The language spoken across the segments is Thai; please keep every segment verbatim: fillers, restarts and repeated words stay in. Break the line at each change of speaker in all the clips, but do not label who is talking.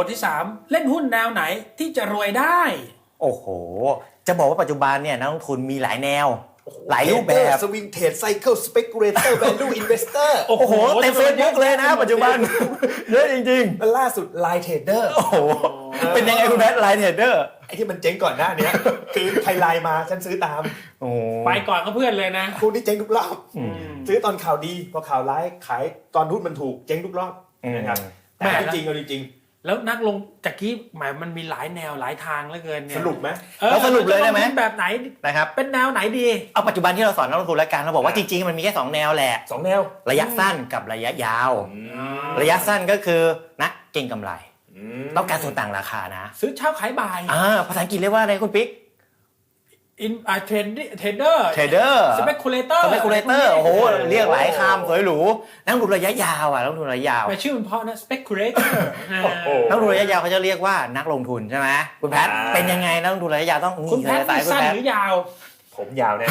ทที่สามเล่นหุ้นแนวไหนที่จะรวยได้
โอ้โหจะบอกว่าปัจจุบันเนี่ยนักลงทุนมีหลายแนวหลายรูปแบบ
สวิงเทรดไซเคิลสเปกุเลเตอร์แวลูอินเวสเตอร์
โอ้โหเต็มเฟซบุ๊กเลยนะปัจจุบันเยอะจริง
ๆแล้วล่าสุดไลน์เทรดเดอร์
โอ้โหเป็นยังไงคุณแพทไลน์เทรดเดอร์
ไอ้ที่มันเจ๊งก่อนหน้านี้คือใครไลน์มาฉันซื้อตาม
โอ้
ไปก่อนก็เพื่อนเลยนะ
คุณที่เจ๊งทุกรอบซื้อตอนข่าวดีพอข่าวร้ายขายตอนหุ้นมันถูกเจ๊งทุกรอบนะครับแต่จริงๆเอาจริง
แล้วนักลงจากกี้หมายมันมีหลายแนวหลายทางเหลือเกินเนี่ย
สรุปไหม
เราสรุปเลยได้ไหม
แบบไหน
นะครับ
เป็นแนวไหนดี
เอาปัจจุบันที่เราสอนนักลงทุนแล้วกันเราบอกว่าจริงๆมันมีแค่สองแนวแหละ
สองแนว
ระยะสั้นกับระยะยาวระยะสั้นก็คือนักเก็งกำไรต้องการส่วนต่างราคานะ
ซื้อเช้าขายบ่าย
อ่าภาษาอังกฤษเรียกว่าอะไรคุณปิ๊ก
อินอ่าเทรนเทรดเดอร์
เทรดเดอร์
สเปกุเลเตอร์
สเปกุเลเตอร์โอ้โหเรียกหลายคำสวยหรูนักลงทุนระยะยาวอ่ะนักลงทุนระยะยาว
แต่ชื่อมันเพราะนะสเปกุเลเตอร์
นักลงทุนระยะยาวเขาจะเรียกว่านักลงทุนใช่ไหมคุณแพทเป็นยังไงนักลงทุนระยะยาวต้อง
คุณแพทสั้นหรือยาว
ผมยาวแน่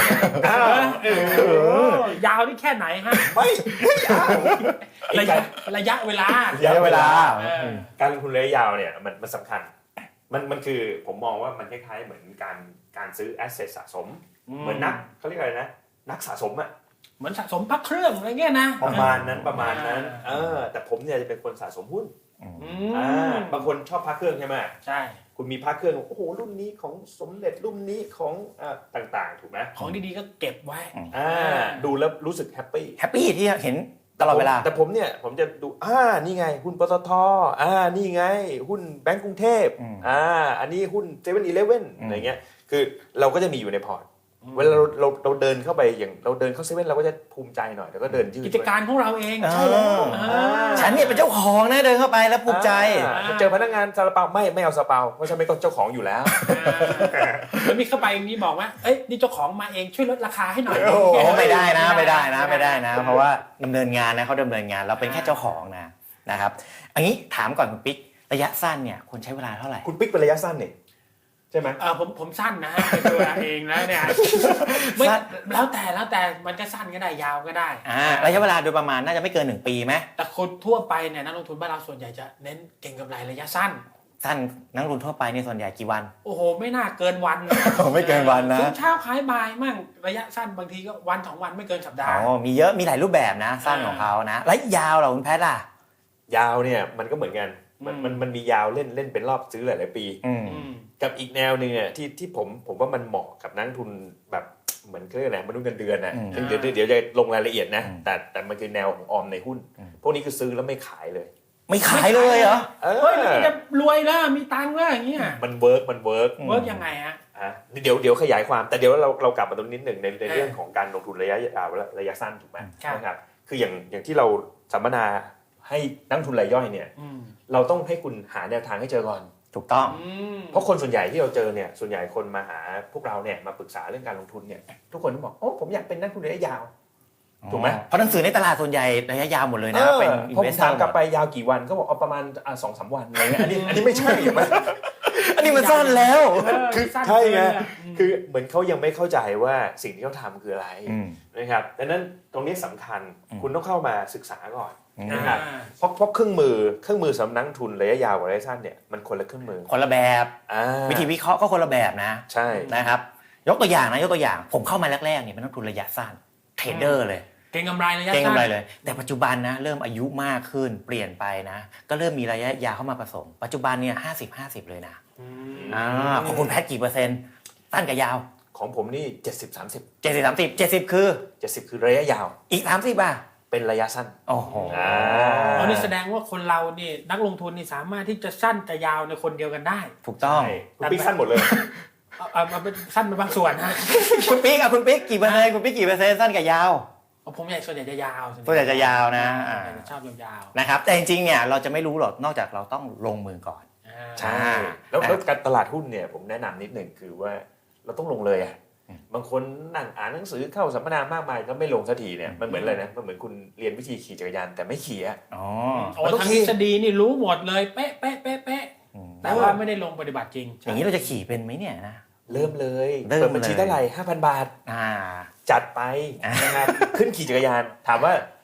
ยาวนี่แค่ไหนฮะ
ไม่ยาว
ระยะระยะเวลา
ระยะเวลา
การลงทุนระยะยาวเนี่ยมันมันสำคัญมันมันคือผมมองว่ามันคล้ายๆเหมือนการการซื้อแอสเซทสะสมเหมือนนักเขาเรียกอะไรนะนักสะสมอ่ะ
เหมือนสะสมพักเครื่องอะไรเงี้ยนะ
ประมาณนั้นประมาณนั้นเออแต่ผมเนี่ยจะเป็นคนสะสมหุ้นอ่าบางคนชอบพักเครื่องใช่ไหม
ใช่
คุณมีพักเครื่องโอ้โหรุ่นนี้ของสมเด็จรุ่นนี้ของอ่าต่างๆถูกไหม
ของดีๆก็เก็บไว้
อ่าดูแล้วรู้สึกแฮปปี้
แฮปปี้ที่เห็นตลอดเวลา
แต่ผมเนี่ยผมจะดูอ่านี่ไงหุ้นปตทอ่านี่ไงหุ้นแบงก์กรุงเทพอ่าอันนี้หุ้นเซเว่นอีเลฟเว่นอะไรเงี้ยคือเราก็จะมีอยู่ในพอร์ตเวลาเราเราเราเดินเข้าไปอย่างเราเดินเข้าเซเว่นเราก็จะภูมิใจหน่อยแล้วก็เดินยืด
กิจการของเราเอง
ใช่แล้วฉันเนี่ยเป็นเจ้าของนะเดินเข้าไปแล้วภูมิใจ
เจอพนักงานซาลาเปาไม่ไม่เอาซาลาเปาเพราะฉันไม่ต้องเจ้าของอยู่แล้ว
แล้วมีเข้าไปอย่างนี้บอกว่าเอ้ยนี่เจ้าของมาเองช่วยลดราคาให้หน่อย
โอ้ไม่ได้นะไม่ได้นะไม่ได้นะเพราะว่าดำเนินงานนะเขาดำเนินงานเราเป็นแค่เจ้าของนะนะครับอันนี้ถามก่อนคุณปิ๊กระยะสั้นเนี่ยควรใช้เวลาเท่าไหร่
คุณปิ๊กเป็นระยะสั้นเนี่ยใช่ไหม
เออผมผมสั้นนะเป็นตัวเองแล้วเนี่ยไม่แล้วแต่แล้วแต่มันก็สั้นก็ได้ยาวก็ได้
อ่าระยะเวลาโดยประมาณน่าจะไม่เกินหนึ่งปีไหม
แต่คนทั่วไปเนี่ยนักลงทุนบ้านเราส่วนใหญ่จะเน้นเก็งกำไรระยะสั้น
สั้นนักลงทุนทั่วไปในส่วนใหญ่กี่วัน
โอ้โหไม่น่าเกินวัน
ไม่เกินวันนะ
ซื้อเช้าขายบ่ายมั่งระยะสั้นบางทีก็วันสองวันไม่เกินสัปดาห์
อ๋อมีเยอะมีหลายรูปแบบนะสั้นของเขานะแล้วยาวเหรอคุณแพทย์ล่ะ
ยาวเนี่ยมันก็เหมือนกันมันมันมันมียาวเล่นเล่นเป็นรอบซื้อหลายๆปีกับอีกแนวนึงเนี่ยที่ที่ผมผมว่ามันเหมาะกับนักทุนแบบเหมือนเรื่องอะไรมนุษย์เงินเดือนนะเดี๋ยวเดี๋ยวจะลงรายละเอียดนะแต่แต่มันคือแนวของออมในหุ้นพวกนี้คือซื้อแล้วไม่ขายเลย
ไม่ขายเลยเหรอ
เฮ้ยมันจะรวยแล้วมีตังค์แล้วอย่างเงี้ย
มันเวิร์กมันเวิร์ก
เวิร์กยังไงฮะ
อ่ะเดี๋ยวเดี๋ยวขยายความแต่เดี๋ยวเราเรากลับมาตรงนิดหนึ่งในในเรื่องของการลงทุนระยะยาวและระยะสั้นถูกไหมนะครับคืออย่างอย่างที่เราสัมมนาให้นักทุนรายย่อยเนี่ยเราต้องให้คุณหาแนวทางให้เจอก่อน
ถูกต้อง
เพราะคนส่วนใหญ่ที่เราเจอเนี่ยส่วนใหญ่คนมาหาพวกเราเนี่ยมาปรึกษาเรื่องการลงทุนเนี่ยทุกคนต้องบอกโอ้ผมอยากเป็นนักทุนระยะยาวถูกไหม
เพราะหนังสือในตลาดส่วนใหญ่ระยะยาวหมดเลยนะเป็นอินเวสเตอร์
ผมถามกลับไปยาวกี่วันก็บอกเอาประมาณสองสามวันอะไรเงี้ยอันนี้อันนี้ไม่ใช่ถูกไหม
อันนี้มันสั้นแล้ว
คือใช่ไงคือเหมือนเขายังไม่เข้าใจว่าสิ่งที่เขาทำคืออะไรนะครับดังนั้นตรงนี้สำคัญคุณต้องเข้ามาศึกษาก่อนนะครับเพราะเพราะเครื่องมือเครื่องมือสำนักทุนระยะยาวกับระยะสั้นเนี่ยมันคนละเครื่องมือ
คนละแบบวิธีวิเคราะห์ก็คนละแบบนะ
ใช่
นะครับยกตัวอย่างนะยกตัวอย่างผมเข้ามาแรกๆเนี่ยเป็นนักทุนระยะสั้นเทรดเดอร์เลย
เก็งกำไรระยะสั้น
เก็งกำไรเลยแต่ปัจจุบันนะเริ่มอายุมากขึ้นเปลี่ยนไปนะก็เริ่มมีระยะยาวเข้ามาผสมปัจจุบันเนี่ยห้าสิบ ห้าสิบเลยนะอ่าของคุณแพทกี่เปอร์เซ็นต์สั้นกับยาว
ของผมนี่เจ็ดสิบ สามสิบ
เจ็ดสิบ สามสิบ เจ็ดสิบคือ
เจ็ดสิบคือระยะยาว
อีกสามสิบอ่ะ
เป็นระยะสั้น
โอ้โห
อ่า
อันนี้แสดงว่าคนเรานี่นักลงทุนนี่สามารถที่จะสั้นกับยาวในคนเดียวกันได้
ถูกต้อง
คุณปิ๊กสั้นหมดเลย
เอาเอาเป็นสั้นเป็นบางส่วนนะ
คุณปิ๊กอ่ะคุณปิ๊กกี่เปอร์เซ็นต์คุณปิ๊กกี่เปอร์เซ็นต์สั้นกับยาว
ผมใหญ่ส่วนใหญ่จะยาว
ส่วนใหญ่จะยาวนะ
ชอบยาว
ๆนะครับแต่จริงๆเนี่ยเราจะไม่รู้หรอกนอกจากเราต้องลงมือก่อน
ใช่แล้วแล้วการตลาดหุ้นเนี่ยผมแนะนำนิดหนึ่งคือว่าเราต้องลงเลยอ่ะบางคนนั่งอ่านหนังสือเข้าสัมมนามากมายก็ไม่ลงสักทีเนี่ยมันเหมือนอะไรนะมันเหมือนคุณเรียนวิธีขี่จักรยานแต่ไม่ขี่อ่ะ
อ๋อ
ทางทฤษฎีนี่รู้หมดเลยเป๊ะเป๊ะเป๊ะเป๊ะแต่ว่าไม่ได้ลงปฏิบัติจริง
อย่างนี้เราจะขี่เป็นไหมเนี่ยนะ
เริ่มเลยเปิดบัญชีเท่าไหร่ ห้าพัน บาทจัดไปนะครับขึ้นขี่จักรยานถามว่า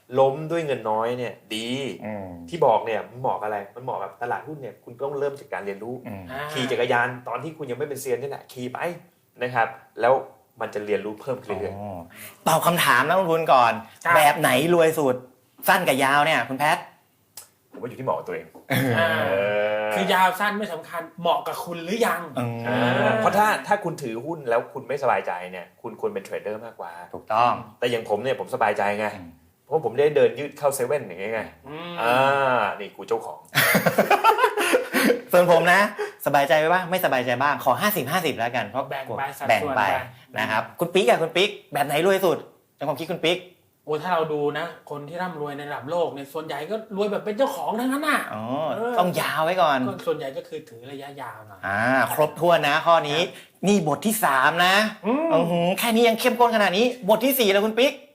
ล้มด้วยเงินน้อยเนี่ยดี
อืม
ที่บอกเนี่ยมันเหมาะอะไรมันเหมาะกับตลาดหุ้นเนี่ยคุณต้องเริ่มจากการเรียนรู้
อืม
อ่า
ขี่จักรยานตอนที่คุณยังไม่เป็นเซียนนี่แหละขี่ไปนะครับแล้วมันจะเรียนรู้เพิ่มขึ้นเรื่อย
อ๋อตอบคำถามนะคุณคุณก่อน
ครับ
แบบไหนรวยสุดสั้นกับยาวเนี่ยคุณแพท
ๆผมว่าอยู่ที่เหมาะกับตัวเอง
อ่า
เออ
คือยาวสั้นไม่สำคัญเหมาะกับคุณหรือยัง
อืม
อ่าเพราะถ้าถ้าคุณถือหุ้นแล้วคุณไม่สบายใจเนี่ยคุณควรเป็นเทรดเดอร์มากกว่า
ถูกต้อง
แต่อย่างผมเนี่ยผมสบายใจไง
อืม
เพราะผมได้เดินยืดเข้าเซเว่นอย่างเงี้ยไง
อืม
อ่านี่กูเจ้าของ
ส่วนผมนะ สบายใจไปบ้างไม่สบายใจบ้างขอ ห้าสิบ ห้าสิบ แล้วกันเพราะ
แบ่งไปสัด
แบ่ง
ส่วน
ไป
ไป
นะครับคุณปิ๊กอะคุณปิ๊กแบบไหนรวยสุดในความคิดคุณปิ๊ก
โอ้ถ้าเราดูนะ คนที่ร่ำรวยในระดับโลกเนี่ยส่วนใหญ่ก็รวยแบบเป็นเจ้าของทั้งนั้นน่ะ
อ๋อ
เออ
ต้องยาวไว้ก่อน
ก็ส่วนใหญ่ก็คือถือระยะยาวหน่อย
อ่าครบถ้วนนะข้อนี้นี่บทที่สามนะ
อืม
อื้อหือแค่นี้ยังเข้มข้นขนาดนี้ บทที่สี่แล้วคุณปิ๊ก